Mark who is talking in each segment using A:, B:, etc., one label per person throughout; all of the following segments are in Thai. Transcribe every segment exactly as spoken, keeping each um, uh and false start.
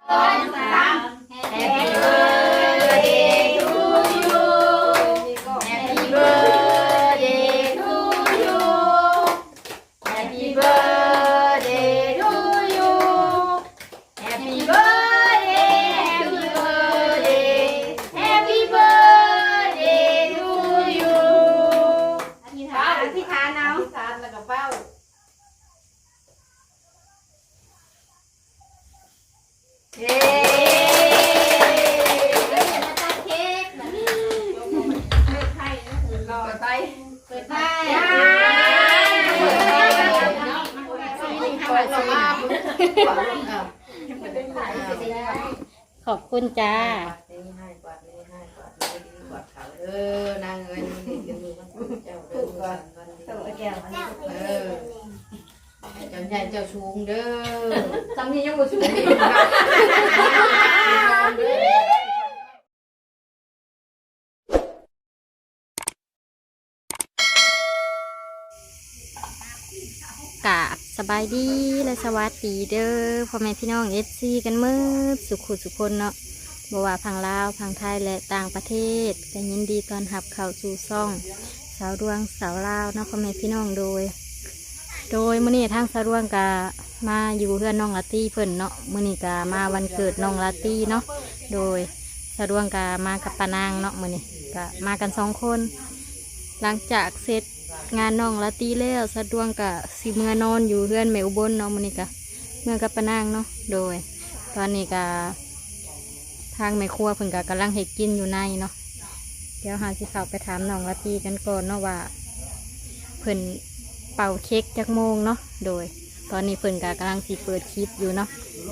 A: ขอบคุณจ้า
B: เออนางเงินเจ้าเดินกันเจ้าเออเจ้าใหญ่เจ้าชูงเด้อจำนี่ยังบ่ชูงอีก
A: กะสบายดีและสวัสดีเด้อพ่อแม่พี่น้องเอฟซีกันมืดสุขุสุคนเนาะบ่ว่าพังลาวพังไทยและต่างประเทศก็ยินดีต้อนรับเข้าสู่ซ่องสาวดวงสาวลาวเนาะพ่อแม่พี่น้องโดยโดยมื้อนี้ทางสาวดวงกะมาอยู่เพื่อนน้องลาตี้เพิ่นเนาะมื้อนี้กะมาวันเกิดน้องลาตี้เนาะโดยสาวดวงกะมากับปานางเนาะมื้อนี้กะมากันสองคนหลังจากเสร็จงานน้องละตีแล้วสะดวงกะสิเมื่อนอนอยู่เพื่อนแม่อุบลเนาะมื้อนี้กะเมื่อกับปานางเนาะโดยตอนนี้กะทางแม่ครัวเพิ่นกะกำลังเฮ็ดกินอยู่ในเนาะเดี๋ยวหาสิเข้าไปถามน้องละตีกันก่อนเนาะว่าเพิ่นเป่าเค้กจักโมงเนาะโดยตอนนี้เพิ่นกะกำลังสิเปิดคลิปอยู่เนาะ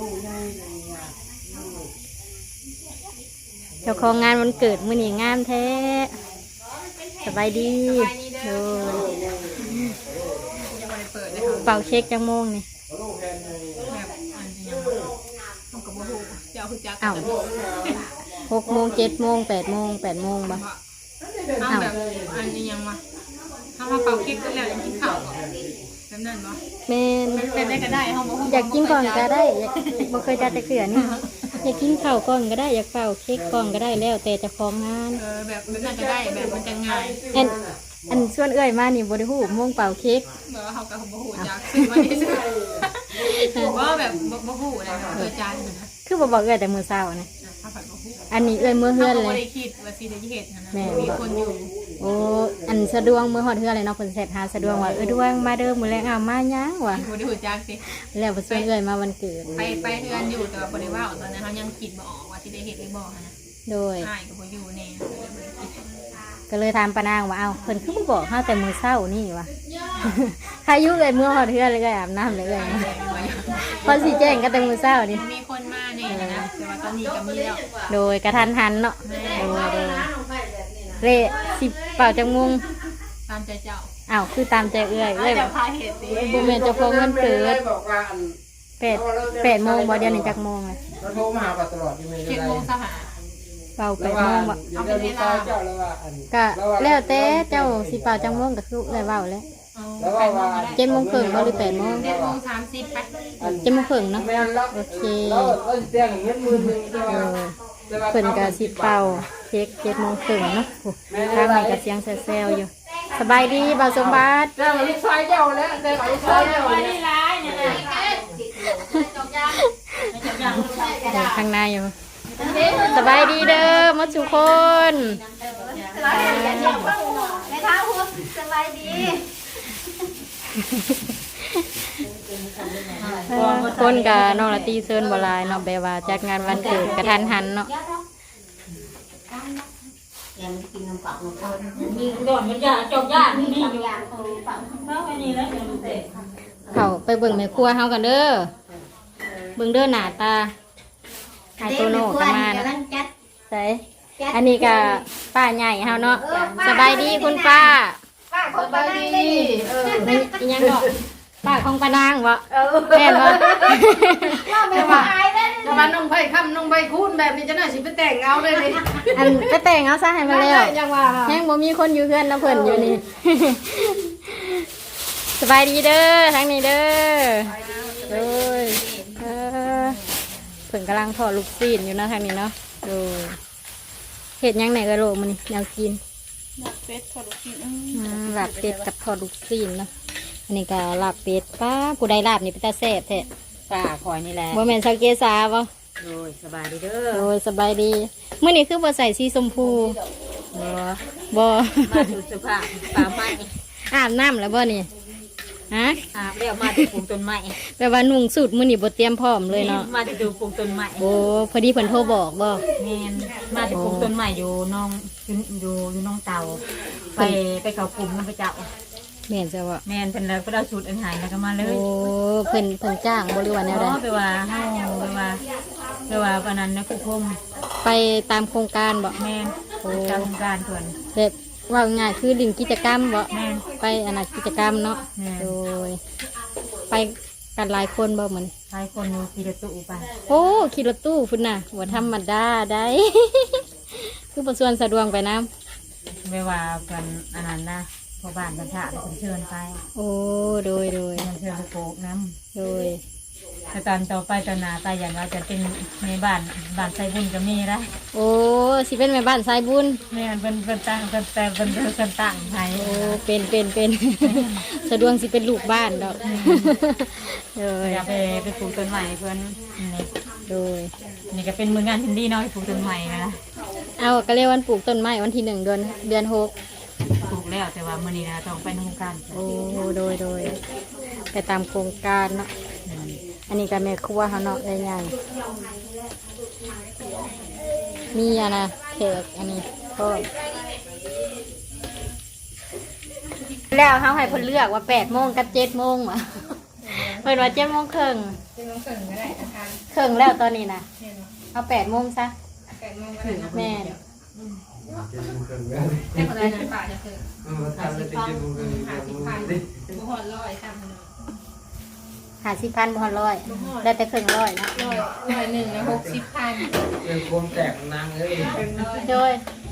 A: เจ้าของงานวันเกิดมื้อนี้งามแท้สบายดีโดยเป่าเค้กจังโมงนี่อ้าวหกโมงเจ็ดโมงแปดโมงแปดโมงบ่
C: อ้าวแบบอันนี้ยังมาถ้ามาเป่าเค้กก็แล้วยังกินข้าวก่อนแบบนั้นบ่
A: แม่น
C: แบบได้ก็ได้เฮาบ่
A: อยากกินก่อนก็ได้อยากบ่เคยจัดแต่เขือนี่อยากกินข้าวก่อนก็ได้อยากเป่าเค้กก่อนก็ได้แล้วแต่จะของงาน
C: เออแบบแบบนั้นก็ได้แบบมันจะง่าย
A: อันอันส่วนเอื้อยมานี่บ่ได้ฮู้โมงเป่าเค้ก
C: แบบว่าเฮาก็บ่ฮู้จักซื้อมานี่ซื่อว่าแบบบ่ฮู้นะเออจานนะ
A: คือบ่บอกเอื้อยแต่มื้อเช้านะอันนี้เอื้อยมื้อเฮือนเลย
C: บ่ได้คิดว่าสิได้เฮ็ดนะมีคนอยู่
A: โอ้อันสะดวงมื้อฮอดเฮือนเลยเนาะเพิ่นเสร็จหาสะดวงว่าเออดวงมาเด้อมื้อแลงเอามาหยังวะ
C: บ่ได้ฮู้จักสิ
A: แล้วเพิ่นชวนเอื้อยมาวันเกิด
C: ไปไปเฮือนอยู่แต่ว่าบ่ได้ว่าตอนนั้นเฮายังคิดบ่ออกว่าสิได้เฮ็ดได้บ่นะ
A: โดย
C: อ้ายก็บ่อยู่แน่
A: ก็เลยถามปานางว่าเอ้าเพิ่นคือบ่บอกเฮาแต่มื้อเช้านี่วะใครอยู่เอ้ยมื้อฮอดเฮือนเลยก็อาบน้ำเลยเอ้ยพอสิแจ้งก็แต่มื้อเช้านี่
C: มีคนมาแน่นะแต่ว่าตอนนี้ก็มีแล้ว
A: โดยกระทันหันเนาะโดยโดยเละสิเป่าจังมุง
C: ตามใจเจ้า
A: อ้าวคือตามใจเอื้อยเอ้ย
C: จะพาเฮ็ดสิ
A: บ่แม่นเจ้าของเงินเกิดแปด แปดโมงบ่เดี๋ยวนี้จักโมงเลย
B: เราโทรมาหาตลอดอยู่
C: เจ็ดโมงสหา
A: เป่าแปดโมงบ่
C: เอาเป็นเวลา
A: ก็แล้วแต่เจ้าสิเป่าจังโมงก็คือเอื้อยเว้าแล้วเจ็ดโมงครึ่งบ่หรือแปดโมง
C: เจ็ดโมงสามสิบไป
A: เจ็ดโมงครึ่งเนาะโอเคเพิ่นก็สิเป่าเค้กเจ็ดโมงครึ่งเนาะทางนี้ก็เสียงแซ่ๆอยู่สบายดีบ่าวสมบัติ
B: เจ้าลูกชายเจ้าแล้วเจ้าลูกชายเจ้า
C: นี่ร้ายนี่
A: นะข้างในอยู่สบายดีเด้อหมดทุกคน
D: สบายดีไม่ท้าหัวสบายดี
A: คนกับน้องละตีเซินบลายเนาะแบบว่าจัดงานวันเกิดกระทันหันเนาะ
D: ยังกินน้ำเปล่าน้ำข้าว
C: มีก่อนมันจะจบยากนี่อยู่
A: เขาไปเบิ่งแม่ครัวเฮากันเด้อเบิ่งเด้อหน้าตาไอโตโน่กันมาเนาะใส่อันนี้ก็ป้าใหญ่เฮาเนาะสบายดีคุณป้า
D: ป้าคนป้าดี
A: เออนี่ยังเนาะป้าของปานางวะแม่นวะ
D: ว่าไม่ว่า
B: แต่ว่าน้องไผ่ค่ำน้องไผ่คูนแบบนี้จะน่าสิไปแต่งเอาเลยนี่
A: อันไปแต่งเอาซะให้มาแล้วยังบ่มีคนอยู่เพื่อนนะเพิ่นอยู่นี่สบายดีเด้อทั้งนี้เด้อโอ้ยเออพิ่นกำลังทอดลูกซีนอยู่เนาะทางนี้เนาะโดยเห็ดหยังไหนกระโหลกมันนี่แนวกิน
C: ลาบเป็ดทอดลูกชิ้น
A: อืมลาบเป็ดกับทอดลูกซีนเนาะอันนี้ก็ลาบเป็ดป้าผู้ใดลาบนี่เป็นตาแซ่บแท้
B: ป้าคอยนี่แหละ
A: บ่แม่นชาวเกษาบ่
B: โดยสบายดีเด้อ
A: โอ้ยสบายดีมื้อนี้คือบ่ใส่สีชมพู
B: เนาะ
A: บ่
B: มาดูสภาพป่าไม้
A: อาบน้ำแล้วบ่นี่ฮะ
B: อาบแล้วมาดูปลูกต้นไม้
A: แปลว่านุ่งสูทมื้อนี้บ่เตรียมพร้อมเลยเนาะ
B: มาดูปลูกต้นไม้
A: โอ้พอดีเพิ่นโทรบอกบ่
B: แม่นมาดูปลูกต้นไม้อยู่น้องอยู่อยู่อยู่น้องเตาไปไปเขากลุ่มน้ำไปเจ้า
A: แม่นซะบ่
B: แม่นเป็นแล้วก็ได้สูตรอันหายแล้วก็มาเล
A: โอ้
B: ย
A: เพิ่นเพิ่นจ้างบ่หรือว่าแนวใด
B: อ๋อไปว่าเฮาไปว่าไปว่าปานนั้นนะคุณพม
A: ไปตามโครงการบ่
B: แม่น
A: โอ้
B: การโครงการส่วน
A: แบบว่าง่ายคือลิงกิจกรรมบ่
B: แม่น
A: ไปอันนั้นกิจกรรมเนาะ
B: แม่น
A: โดยไปกันหลายคนบ่เหมือน
B: หลายคนอยู่ขี่รถตู้ไป
A: โอ้ขี่รถตู้พุ่นน่ะบ่ธรรมดาได้ คือบ่ส่วนสะดวกไปนํ
B: ไม่ว่ากันอันนั้นนะพอบ้านกันถาเป็นเชิญไป
A: โอ้โดยโดย
B: เป็นเชิญไปโกกน้
A: โดย
B: ำแต่ตอนต่อไปตอนหนาตาอย่างว่าจะเป็นในบ้านบ้านไซบุญก็มีนะ
A: โอ้สิเป็นแม่บ้านสายบุญ
B: แม่นเป็นเป็นตั้งเป็นแต่เป็นเป็นตั้งให้
A: โอ้เป็นเป็นเป็น สะดวกสิเป็นลูกบ้านดอกโดย
B: อยากไปไปปลูกต้นใหม่เพื่อนนี่
A: โดย
B: นี่ก็เป็นมืองานทินดี้เนาะปลูกต้นใหม่นะ
A: เอาก็เรียกวันปลูกต้นไม้วันที่หนึ่งเดือนเดือนหก
B: ปลูกแล้วแต่ว่ามื้อนี้นะต้องไปทำการ
A: โอ้โดยโดยไปตามโครงการเนาะอันนี้ก็แม่ครัวเขาเนาะได้ยังมีอะนะแขกอันนี้ก็แล้วเขาให้เพิ่นเลือกว่าแปดโมงกับเจ็ดโมงวะเพิ่นว่าเจ็ดโมงครึ่ง
C: จะต้องเขินก็ได้นะคะ
A: ครึ่งแล้วตอนนี้นะเอาแปดโมงซะ
C: แปดโมงก็ได้นะ
A: แม่น
C: ได้คนละหนึ่งบาทจะเขิน
E: ทำได้ติดมือ
C: หาสิบพันบุหอนร้อยสามพัน
A: หาสิบพันบ่ฮอดร้อยได้แต่ครึ่งร้อยเนาะ
C: ร้อยร้อยหนึ่งนะหกสิบพัน
E: เป็นคนแตกนางเลย
A: โดย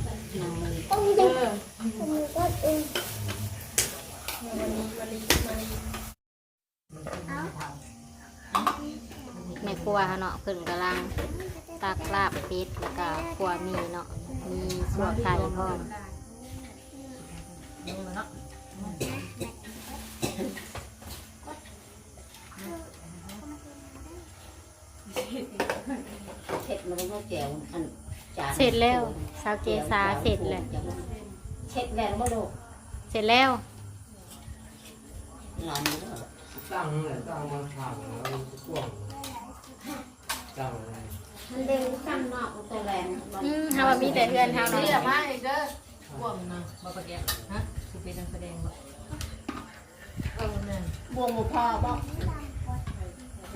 A: ในครัวเขาเนาะเพิ่นกำลังตักลาบเป็ดแล้วก็ครัวมีเนาะมีสัวไข่พร้อมเสร็จแล้วสาวเกษาเสร็จแล้ว
D: เช็ดแล้วบ่ลูก
A: เสร็จแล้ว
E: ตั้งเลยตั้งมาถามแล้วกว้างตั้งเลย
D: มันเด้งข้างนอกตัวแรง
A: อืมเฮาว่ามีแต่เพื่อนเฮาเนาะ
B: นี่แหละมาอีกเด้อพวกนะบ่ประเดี๋ยวฮะคือเป็นนักแสดงบ่เออนั่น
D: บวงหมูพอบ่นะ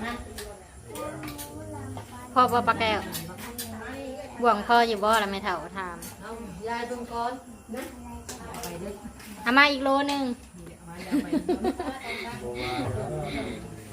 A: พ่อพ่อปลาแก้วบ่วงพ่ออยู่บ่ล่ะแม่เฒ่าถาม
B: เอายายตรงก่อนนะไปเด้อ
A: เอามาอีกโลหนึง
B: เดี๋ยวมาเดี๋ยวไป
E: บอกว่า
B: ไป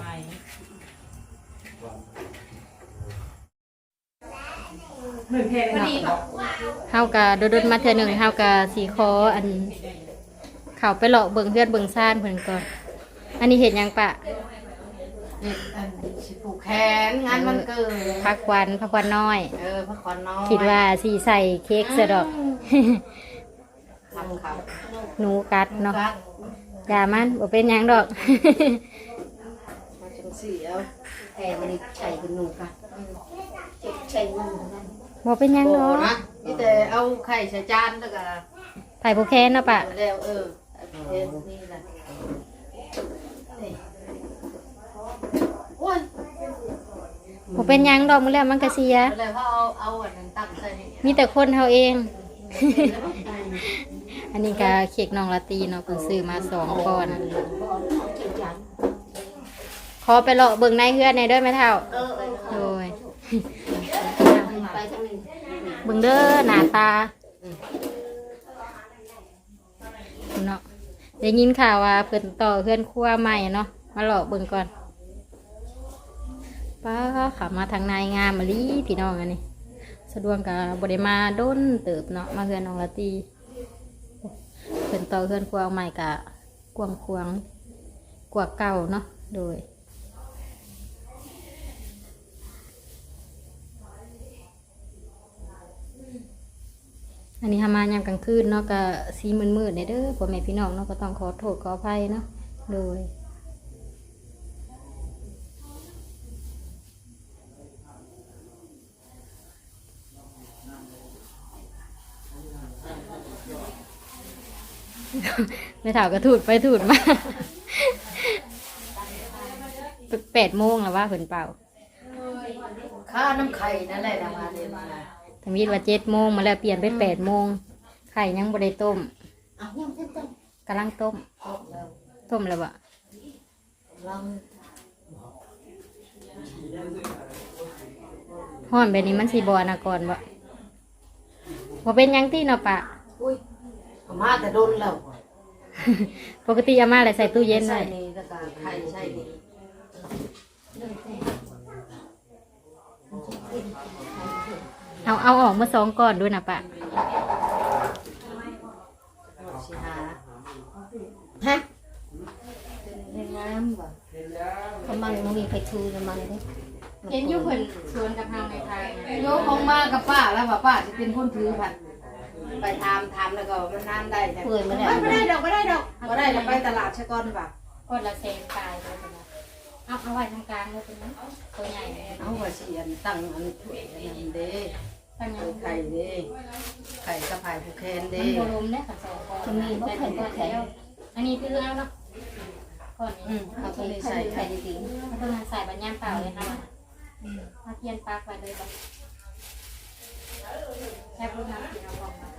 C: พอดีค่ะ
A: เฮากะโดดๆมาเทื่อหนึงเฮากะสิขออันเข้าไปเลาะเบิ่งเฮือนเบิ่งซ่านเพิ่นก่อนอันนี้เฮ็ดหยังปะ
B: เด็กอันสิปลูกแขนงานมันเกิด
A: ผักหวานผักหวานน้อย
B: เออพักผ่อนน้อย
A: คิดว่าสิใส่เค้กซะดอก
B: ทำเขา
A: หนูกัดเนาะ
B: กัด
A: อย่ามันบ่เป็นหยังดอก
B: มาจังสีเอาแต่วันนี้ใส่เป็นหนูกัด
D: ใช่งูนั่น
A: บ่เป็นหยัง
B: โอ้
A: เนาะ
B: นะนี่แต่เอาไข่ใส่จานแล้วก็
A: ไผ่ผู้แค้นเนาะปะ
B: แล้วเออเออนี่แหละนี่โอ้ย
A: บ่เป็นหยังดอกมื้อแล้วมันก็เสีย
B: แล้วเขาเอาเอาอันนั้นตั้งใส่นี่
A: มีแต่คนเฮาเอง อันนี้ก็เค้กน้องละตีเนาะเพิ่นซื้อมาสองก้อน ขอไปเลาะเบิ่งในเฮือนในอยเด้อแม่เฒ่า
D: เออเออ
A: โดย
D: ไปทางนี้
A: เบิ่งเด้อหน้าตาเนาะได้ยินข่าวว่าเพิ่นต่อเฮือนครัวใหม่เนาะมาเลาะเบิ่งก่อนป้าขับมาทางนายงามมะลิพี่น้องอันนี้สะดวกกับบริมาด้นเติบเนาะมาเฮือนน้องละตีเพิ่นต่อเฮือนครัวใหม่กะกวางควางกว่าเก่าเนาะโดยอันนี้ทำมายามกลางคืนเนาะก็สีมืดๆเด้อพ่อแม่พี่น้องเนาะก็ต้องขอโทษขออภัยเนาะโดย ไม่ถามก็ถูดไปถูดมาแปดโมงแล้วว่าเพิ่นเป่า
B: ค่าน้ำไข่นั่นแหละทำงานเรียนมา
A: ทำมิดว่าเจ็ดโมงมาแล้วเปลี่ยนเป็นแปดโมงไข่ยังบ่ได้ต้ม
B: เอายังเต้นเต้น
A: กำลังต้ม
B: แล้ว
A: ต้มแล้วบ่
B: ลอง
A: ห้อนแบบนี้มันสีบอนะก่อนบ่บ่เป็นหยังที่เนาะปะ
B: อุ้ยเอามาแต่โดนแล้ว
A: ปกติอาม่าเลยใส่ตู้เย็น
B: ใช่
A: ไว้
B: นี่แล้วก็ไข่ใช่นี่
A: เอาเอาออกมาสองก่อนด้วยนะปะ
B: สิหาฮะเป็นงามว่ะ
D: กำลังมันมีไฟทูกำลังเลย
A: เห็นอยู่เพิ่นสวนกับเฮาในไทย
B: โยกของมากับป้าแล้วว่าป้าจะเป็นคนถือผัดไปทำทำแล้วก็มันน้ำได้แต่
D: เปื่อยมาแล้ว
B: ไม่ได้ดอกไม่ได้ดอกไม่ได้เราไปตลาดชะกอนป่ะ
A: คนละเซนตายเลยเป็นไงเอาเอาไว้ตรงกลางเลยเป็นไงตัวใหญ่เลย
B: เอาว่าเสียนตั้งอันถ้วยอันนั้นเด้
A: ตั้งยัง
B: ไข่เด้ไข่กระเพราผูกแคน
A: มั
B: เด้
A: นโบรมเนี่ยค่ะสองก้อน
D: จะมีบ่ไข่บ่ไข่
A: อันนี้คือเอาเนาะก้อน
B: อื
A: นี้
B: มเอาตัวนี้
D: ไข่
B: ใส่
D: ไข่จริง
A: เอาตัวนั้นใส่บัญญัติเปล่าเลยค่ะมาเทียนปลักไว้เลยบ่แค่พูดน้ำกินเอาของมาใส่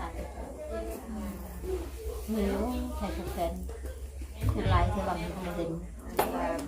D: มีรู้ไข่แข็งคือลายที่ว่ามันทำเด่น
B: ดี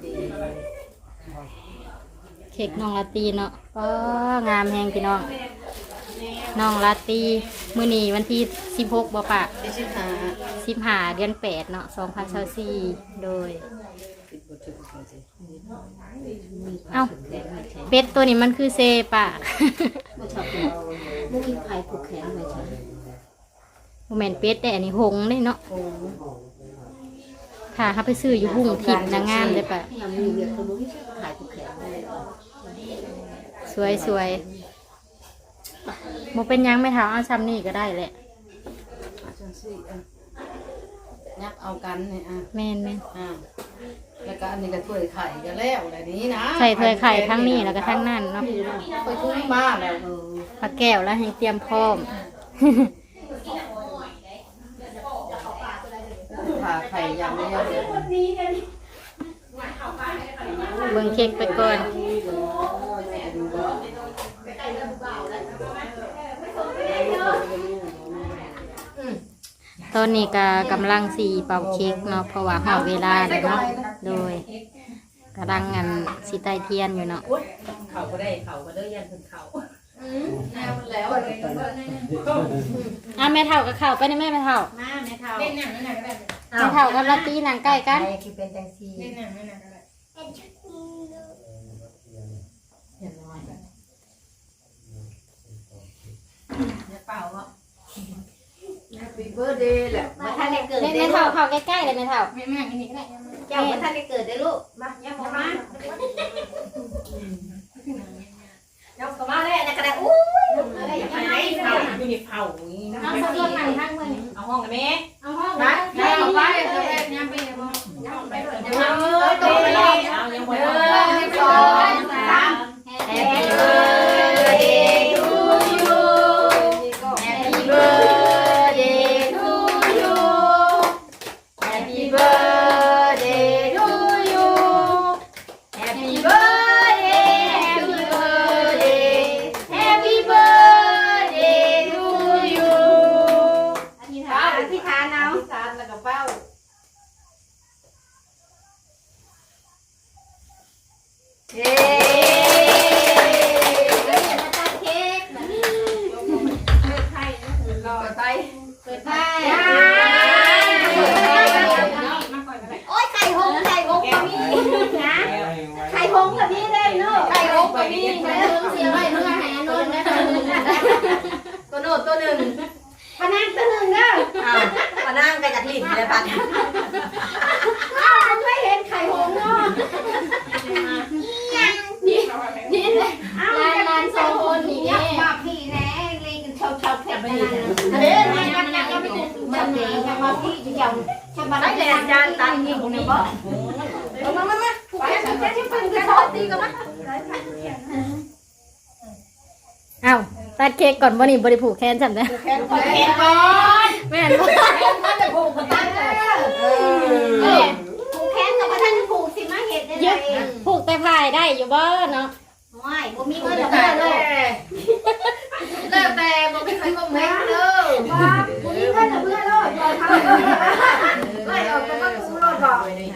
A: เค้กน้องลาตีเนาะก็งามแหงพี่น้องน้องลาตีมื้อนี้วันที่สิบหกบ่ปะ
B: ที่ชิหา
A: สิบห้าเดือนแปดเนาะสองพันยี่สิบสี่โดย
B: ติดบทถึงเขาสิ
A: เอ้าเป็ดตัวนี้มันคือเซปะ
D: ไม่ชอบกินไม่มีไข่ผูกแขนไม่ใช่
A: โมเมนเป็ดแต่อันนี้หงส์ได้เนาะ
B: โอ้
A: ถ้าเขาไปซื้ออยู่หุ่งถิ่นนางงามเลยปะ
D: ยังมีเรียกตัวนี้ไข่ผูกแขน
A: สวยสวยโมเป็นหยังไม่เท้าเอาซ้ำนี่ก็ได้แหละ
B: อาจารย์สิอ่ะยับเอากันเนี่ยอ่ะ
A: แม่นแม่น
B: อ่าแล้วก็อันนี้ก็ถ้วยไข่ก็แล้วแบบนี้นะ
A: ใส่ถ้วยไข่ทั้งนี้แล้วก็ทั้งนั่นเนาะ
B: ไปทุ่งมาแล้วเออ
A: ปลาแก้วแล้วให้เตรียมพร้อม
B: ผ่าไข่อย่างเดียวเลย
A: เบิ่งเค้กไปก่อน ตอนนี้ก็กำลังสีเป่าเค้กเนาะเพราะว่าหอดเวลาแล้วเนาะโดยกำลังงานสีใต้เทียนอยู่เนาะ
B: เขาก็ได้เขาก็ได้ยันถึงเขา
D: แล้ว
A: อ่ะแม่เท่ากับเข่าไปในแม่แม่เท่า
B: มาแม่เท่า
C: เล่นหนังนั่นหนังก็ได้
A: แม่เท่ากับลาตีนางใกล้กัน
D: คือเป็นจังซี
C: เล่นหนังนั่นหนังก็ได้
B: เห็นน้อยเนี่ยเปล่าเนาะ Happy birthday แหละ
D: มาท่านได้เกิด
A: แม่
D: ได้
A: แม่
D: ลู
A: เท่าก เข้าใกล้ๆเลยแม่เท่า
C: ไม่แม่งอันนี้ก็ได้
D: เจ้ามาท่านได้เกิดได้ลูกมาย่ามาย่ามาเลยนะกระดาษอุ้ยอะไรยังไง
B: เผาอยู่ในเผาอย่างนี้นะ
A: เอาสักคนหนังทั้งมือ
B: เอาห้องกันไหม
A: เอาห้อง
B: นะ
A: นะ
B: เอาไป
C: เอา
B: เอา
C: ไป
B: ไป
C: ย่างไปเลยบ่
B: เอาเลยตัวไปเลยเอายังหมดเลยหนึ่งสองสาม Happy birthday to you Happy birthday to you Happy birthday to you Happy birthday Happy birthday ยังมาที่อยู่อย่างฉันมาได้เลยอาจารย์ตันยิงคนนี้บ่มามามาไปฉันจะที่เป็นกระทอตีกันมั้ย
A: เอ้าตัดเค้กก่อนบ่นี่บ่ได้ผูกแขนจำได้
B: แขนก่อนแขนก่อน
A: แม่นบ่
B: แขนก็จะผูกกันตั้งเลยเออผูกแขนกับท่านผูกสิมาเห็ดได้ไง
A: ผูกแต่พายได้อยู่บ่เนาะ
B: ไม่บ่มีเงินเดือนเลยแล้วแต่บ่มีใครบ่แม่เด้อบ่บ่มีเงินเดือนเลยบ่ทำไม่ออกก็ต้องสู้รถบ่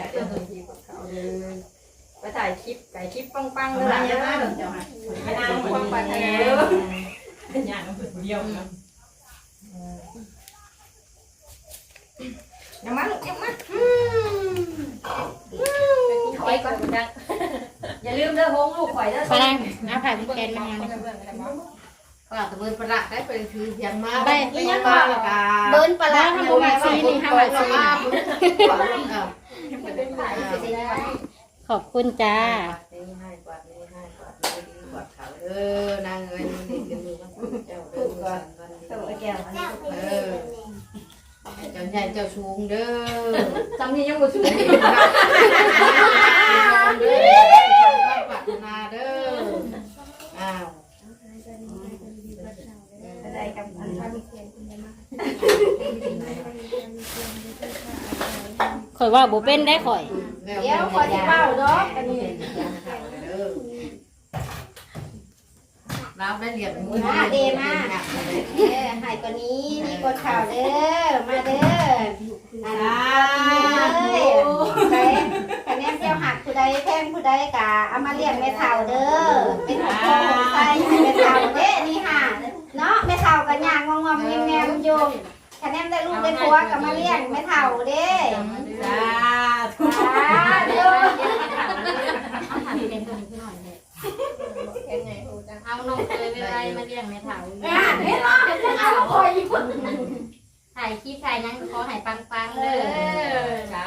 D: ไปถ่ายคลิปไก่คลิปปังๆเลยนะเจ้าค่ะไปนั่งปังไปทางนี้ย่างเดียวนะยังมาลูกยังมาถอยก่อนนะอย่าลืมเด้อโฮงลูกข่อยเด้อ
A: ไปนั่งเอาผ่ายผูกแขนมาเนี่ย
B: ก็ตะเบินประหลาดได้ไปคือเพียงมา
A: ไป
B: อีหยังก็เบิ้นประหลาดทำไมสินี่ห้าบาทสิ
A: ขอบคุณจ้า
D: นี่ให้กวาดนี่ให้กวาดนี่ดีกวาดเขาเออนางเงินนี่กันดูกันเจ้าเด้อก่อนตัวแก้วอันนี้เออเจ้าใหญ่เจ้าสูงเด้อจำนี่ยังบ่สูงเด้อปรารถนาเด้ออ้าวได้กับอันนี้
A: ข่อยว่าบ่เป็นได้ข่อย
B: เดี๋ยวขอจะเป้าเนาะอันนี้
D: เราได้เรียน
B: มาเดมาเออหายกว่านี้นี่กดข่าวเด้อมาเด้ออ่าเลยคะแนนเจ้าหักผู้ใดแพงผู้ใดกะเอามาเลี้ยงแม่เฒ่าเด้อเป็นของโตใส่ให้แม่เฒ่าเด้นี่ค่ะเนาะแม่เฒ่ากันย่างงอมๆแงมๆอยู่คะแนนได้ลูกได้ผัวก็มาเลี้ยงแม่เฒ่าเด้
D: จ้า
B: เด้อ
A: เอานมเลยไปไว้มาเลี้ยงแม่เฒ่า
B: อ่าเห็นบ่เอาคอยอยู่คน
A: ถ่ายคลิปถ่ายหยังขอให้ปังๆเด้อ
D: จ้า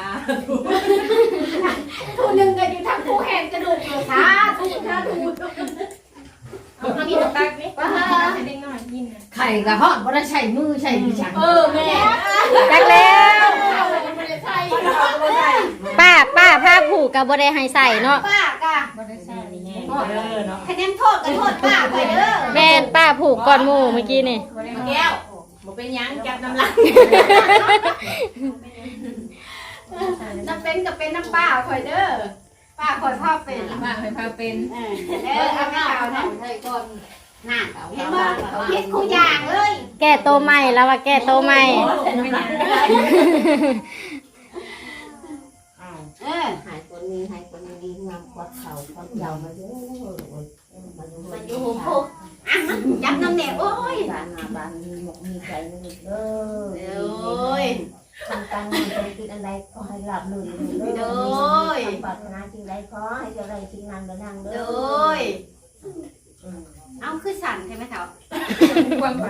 B: ผู้หนึ่งก็อยู่ทางผู้แห่งกระดูกอยู่ค่ะถูกค่ะถูก
C: เอากินตักนี่ให้เด็กน้อยกินนะ
D: ไข่กับฮอดบ่ได้ใช้มือใช้ดิฉัน
B: เออแม่
A: จักแล้ว
B: ไม่ได้ใช่
A: ป้าป้าผ้าผูกก็บ่ได้ให้ใส่เนาะ
B: ป้ากะ
C: บ่ได้ใส่นี่ไง
B: คะแนนโทษกันโทษป้าไปเด้อ
A: แม่นป้าผูกก่อนหมู่เมื่อกี้นี่
C: บ่ได้แก้วบ่เป็นหยังจับน้ำลาย
B: น้ำเป็นกับเป็นน้ำป้าคอยเด้อป้าคอยพ่อเป็น
C: ว่าให้พาเป็น
B: เออเด้อเอาไม่เอานะเฮ้ยก่อนน่าเห็นบ่คิดคู่อย่างเลย
A: แก้โตใหม่แล้วว่าแก้โตใหม่
B: เออ
D: หายคนนี้หายคนนี้งามกว่าเขาเขาเจ้ามาเยอะมัน
B: มันอยู่หูพุกอ่ะมันจับน้ำแหนโอ้ย
D: บ้านมาบ้านมีหมกมีใจนึงเด้อ
B: โอ้ย
D: ทำการเงินธุรกิจอะไรก็ให้หลับลื่นเด้อปรารถนาสิ่งใดขอให้เจ้าได้สิ่งนั้นเด้อนางเด้
B: โด
D: อย
B: เอาคือสั่นใช่ไหมเฒ่า
C: ความฝัน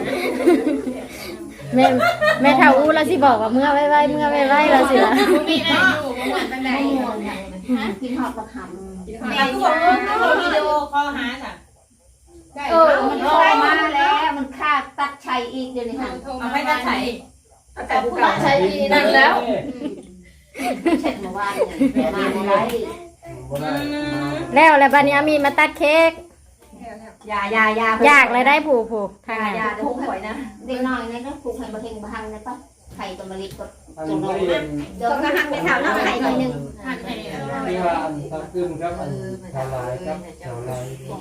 A: แม่แม่เฒ่าอู้แล้วสิบอกว่าเมื่อไว้ๆเมื่อไว้ๆแล้วสิล่ะ
C: มีอะไรอยู่บ่หมดปานใด
D: กินหอดประค
C: แม่ก็บอกว่าเขาวิดีโอคอลหาจ้ะ
B: เออมันเข้ามาแล้วมันฆ่าตัดชัยอีกเดี๋ยวนี้ค่ะ
C: เอาไปตัดใส่
B: แต่ผู้ตัดชัยอีนั่นแล้ว
D: ำเช็ดมาว่าเนี่ยมาบ่ได้
A: แล้วแล้วบัดนี้อามีมาตัดเค้ก
B: ยายายา
A: อยากเลยได้ผูกผูกทาง
B: ยา
A: นั้น
B: ยาเดี๋ยวผมหวยนะ
D: เด็กน้อยนี่ก็ปลูกให้บ่เฮงบ่ฮังนะป่ะไข่ต้นมะลิก็
E: อันนี้เรียน
B: เดี๋ยวก็หันไปถามน้องไข่หน่อยหนึง
C: หัดให้
E: ที่ว่าอันตะกึมครับอันชาวลายครับชาวลาย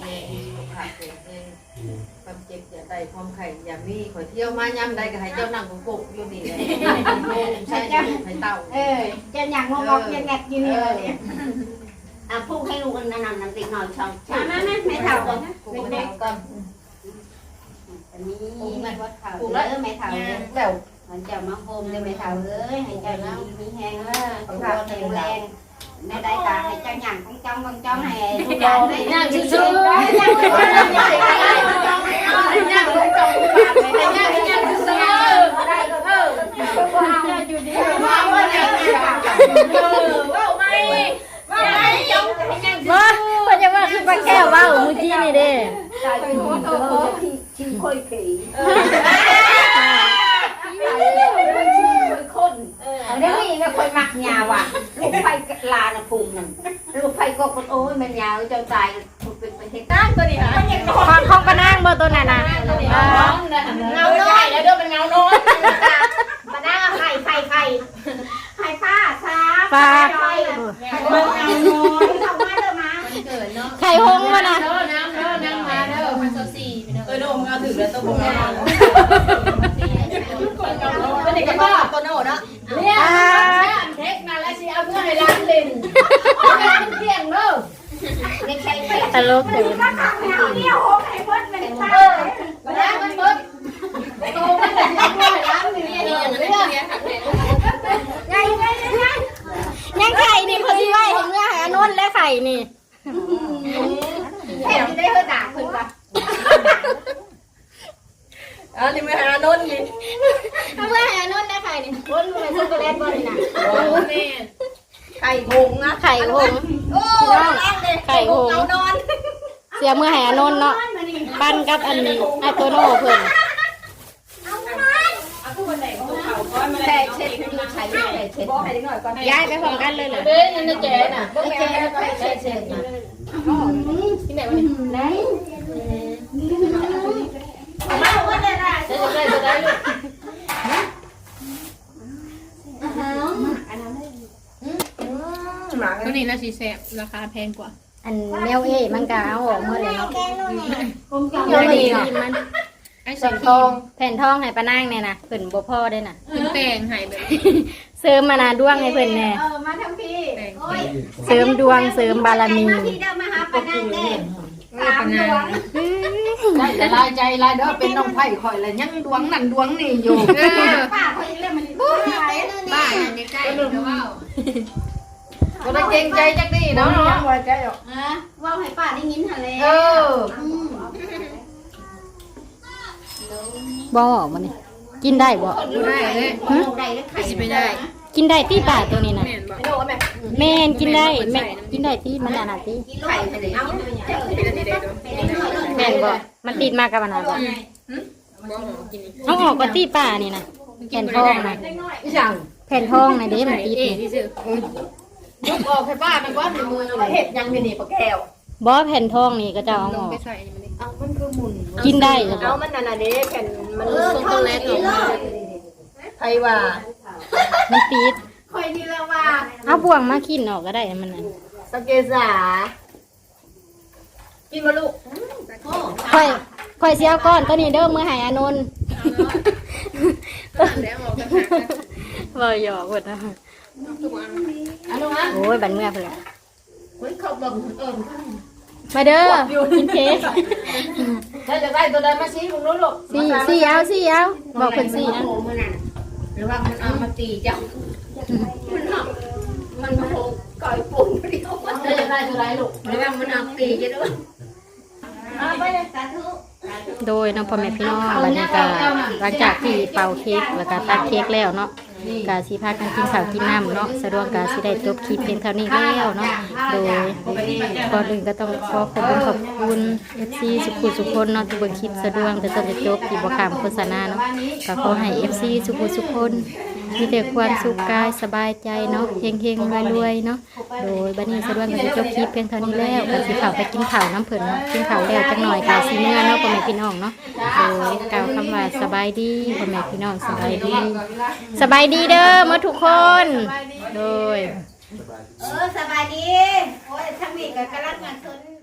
D: ความเจ็บอย่าได้ความไข่อย่ามีข่อยเที่ยวมายามใดก็ให้เจ้านั่งกุกๆอยู่นี่เลยใช่จ้ะให้เต่า
B: เออเจะอย่างงงอกจะแงกอยู่นี่เลย
D: อ่ะปลูกให้ลูกอันนั้นน้ำติดหน่อยช่อง
B: มามามาไม่เท่ากัน
D: ปลูกเด็กก่อน
B: อันนี้ไม่ว่าเท่าเออไม่เท่าเลย
D: แล้ว
B: มันจะมาโฮมเลยไม่เท่าเลยให้เจ้าน้ำมีแห้งเออของเราแข็งแรงในได้ตาให้เจ้าหยั่งของจ้องของจ้องให้ลูกหลานได้ย่างชื่อชื่อยังไม่ได้ยังไม่ได้ยังไม่ได้ยังไม่ได้ยังชื่อชื่อได้ก็เออว้าวอยู่ดีว้าวเนี่ยเออว้าวไม่ว้าวไม่จ้องให้ยัง
A: บ่เพิ่นจะว่าคือปลาแก้วเว้าเมื่อกี้นี่เด้
B: ตายเป็นหัวโตชิงค่อยผี
D: เออ
B: นั่นลูกไฟกบมันโอ้ยมันยาวเจ้าตายเป็นเป็นเหตุการณ์ตัวนี้ฮะ
A: ของของปะนางบ่ตัวนั้นน่ะอ่า
B: เงาน้อยแล้วเด้อเป็นเงาน้อยมาหน้าไข่ไข่ไข่ไข่ป้าซา
A: ปลา
B: ไข่มันเงาน้อยทำไมเด้อมา
C: เกิดเนาะ
A: ไข่หงส์บ่น่ะ
C: เด้อน้ำเด้อน้ำมาเด้อพันโซซี่พี่น้อง
D: เออโดมเอาถือแล้วต้องบอกเอา
B: เป็นเด็กก็ตัวโน่เนาะเนี่ยเทคมาแล้วสิเอาเพื่อให้ร้านเล่นเที่ยงเด้อเด็กใครไป
A: ตลกเด้อ
B: เนี่ยโหไข่เบิดเป็นป้ามาแล้วมันเบิดโตมันจะเพื่อให้ร้านนี่นี่ไงไงไง
A: ยังไข่นี่เพิ่นสิไว้ให้เมื่อให้อนนท์และไข่นี่
B: แถมได้เพื่อด่าเพิ่นป่ะ
D: อันนี้ไม่หาโนนนี่
A: เอาเมื่อให้อนนท์และไข่นี่
B: คนมันช็อกโกแลตบ่นี่นะ
D: โอ้แม่ไข่หงนะ
A: ไข่หงส์
B: โอ้ร้านเลย
A: ไข่หงส์
B: เอานอน
A: เสียเมื่อให้อนนท์เนาะปั้นกับอันนี้ไอ้โตโน่เพิ่น
B: แต่เช็ดคือใช้แต่เช็ดบอกให้หน่อยก่อน
A: ย้ายไปพร้อมกันเลยเหรอ
D: เด้ยนี่แกน่ะ
B: บ่แก่แล้วก็เช็ดเช็ดนะ
C: ที่ไหนวะนี่
B: ไหนมาว่าได้ล่ะ
D: จะจะได้จะได้ลูก
C: ตัวนี้น่าสิแซ่บราคาแพงกว่า
A: อันแมวเอ้มันก็เอาออกหมดเลยเนาะ
B: เดี๋ยวนี้
A: ทีมัน
C: ไอ้
A: ส่
C: สั
A: วน
C: น
A: ทองแผ่นทองให้ปานางเนี่ยนะเพิ่นบ่พอได้น่ะ
C: ขึ้นแต่งให้แบบ
A: เสริมมานาดวงให้เพิ่นแน่
B: เออมาทั้งพี่โอ้ย
A: เสริมดวงเสริมบารมี
B: มาที่เดิมมาหาปานังเด้สามดวง
D: ได้แต่ลายใจลายเด้อเป็นน้องไผ่ข่อยแล้วยังดวงนั่นดวงนี่อยู่
C: เออ
B: ป้าเขาเรียกมันบ้าอะไร
C: บ้านอันนี้ใกล้เดี๋ยวว่า
D: ก็ได้เกรงใจจักดีเนาะเนาะว่าใจหรอก
B: อ่ะว่าให้ป้าได้ยินทะเล
D: เออ
A: บ่ออกมานี่กินได้บ่
C: บ่ได้เลย
B: หึได้ได้ไข่
C: สิไปได้
A: กินได้ที่ป่าตัวนี้น่ะ
C: แม่นบ่
D: โดนแม่
A: แม่นกินได้แม่นกินได้ที่มันอันน่ะติ
B: ไข่ทะเลเอา
C: เป็นอันนี้ได้ด้วย
A: แม่นบ่มันติดมากับอันนั้นบ่
C: บ่หอมกินนี่
A: เอาออกก็ที่ป่านี่น่ะแผ่นทองน่ะ
D: อีหยัง
A: แผ่นทองน่ะเด้มันติด
C: เอ๊
A: นี่
C: ที่ซื้อย
D: กออกให้ป้าไปก่อนในมือเลยเฮ็ดยังอยู่นี่ปะแก้ว
A: บ่แผ่นทองนี่ก็จะเอา
C: ล
A: อง อก
C: ไปใส่อันนี้มันดิ
D: เอามันคือหมุน
A: กินได้เหรอบ่
D: เอามันนั่นน่ะเด้แผ่นมัน
B: เออช็อกโกแลตออกมา
D: ไผว่า
A: มันติด
B: คอยนี่แล้วว่า
A: เอาบ่วงมากินออกก็ได้มันน่ะ
D: สเกษากินมาลูก
A: ค่อยค่อยสิเอาก้อนตัวนี้เด้อมื้อให้อานนท์
C: แล้วออกกันหากัน
A: บ่หยอกเพิ่นนะ
C: ทุกอัน
D: อันนู้นนะ
A: โอ้ยบัดเมื่อเพิ่นล่ะ
D: เฮ้ยเขาบอกเอิญ
A: มาเด้อกินเค้ก
D: ถ้าจะได้ตัวใดมาชี้มึงนู้นลูก
A: สี่สี่เอาสี่เอาบอกเพิ่นสี่นะ
B: โอ้มันน่ะหรือว่ามันเอามาตีเจ้ามันเอามันโผล่ก่อยปุ่นเดียว
D: ถ้าจะได้ตัวใดลูก
B: หรือว่ามันเอาตีจะด้วยเอาไปเลยสาธุ
A: โดยเน้องพ่อแม่พี่น้องวันนี้ก็หลังจากที่เป่าเค้กแล้วก็ตัดเค้กแล้วเนาะกาสิพากันกินข้าวกินน้ำเนาะสะดวกกาสิได้จบคลิปเพียงเท่านี้แล้วเนาะโดยก่อนอื่นก็ต้องขอขอบคุณขอบคุณเอฟซีสุขุสุขคนเนาะที่เบิ่งคลิปสะดวกแต่ต้นจะจบที่บ่ขามโฆษณาเนาะก็ขอให้เอฟซีสุขุสุขคนมีแต่ความสุขกายสบายใจเนาะเฮงเฮงรวยรวยๆเนาะโดยบัดนี้สะดวกก็จะจบคลิปเพียงเท่านี้แล้วก็สิเข้าไปกินข้าวน้ำเพิ่นเนาะกินข้าวแล้วจักหน่อยก็สิเมื่อเนาะพ่อแม่พี่น้องเนาะโดยกล่าวคำว่าสบายดีพ่อแม่พี่น้องสบายดี สบายดีเด้อหมดทุกคน โดย
B: เออสบายดี โอ้ยทั้งนี้ก็กำลังงานสน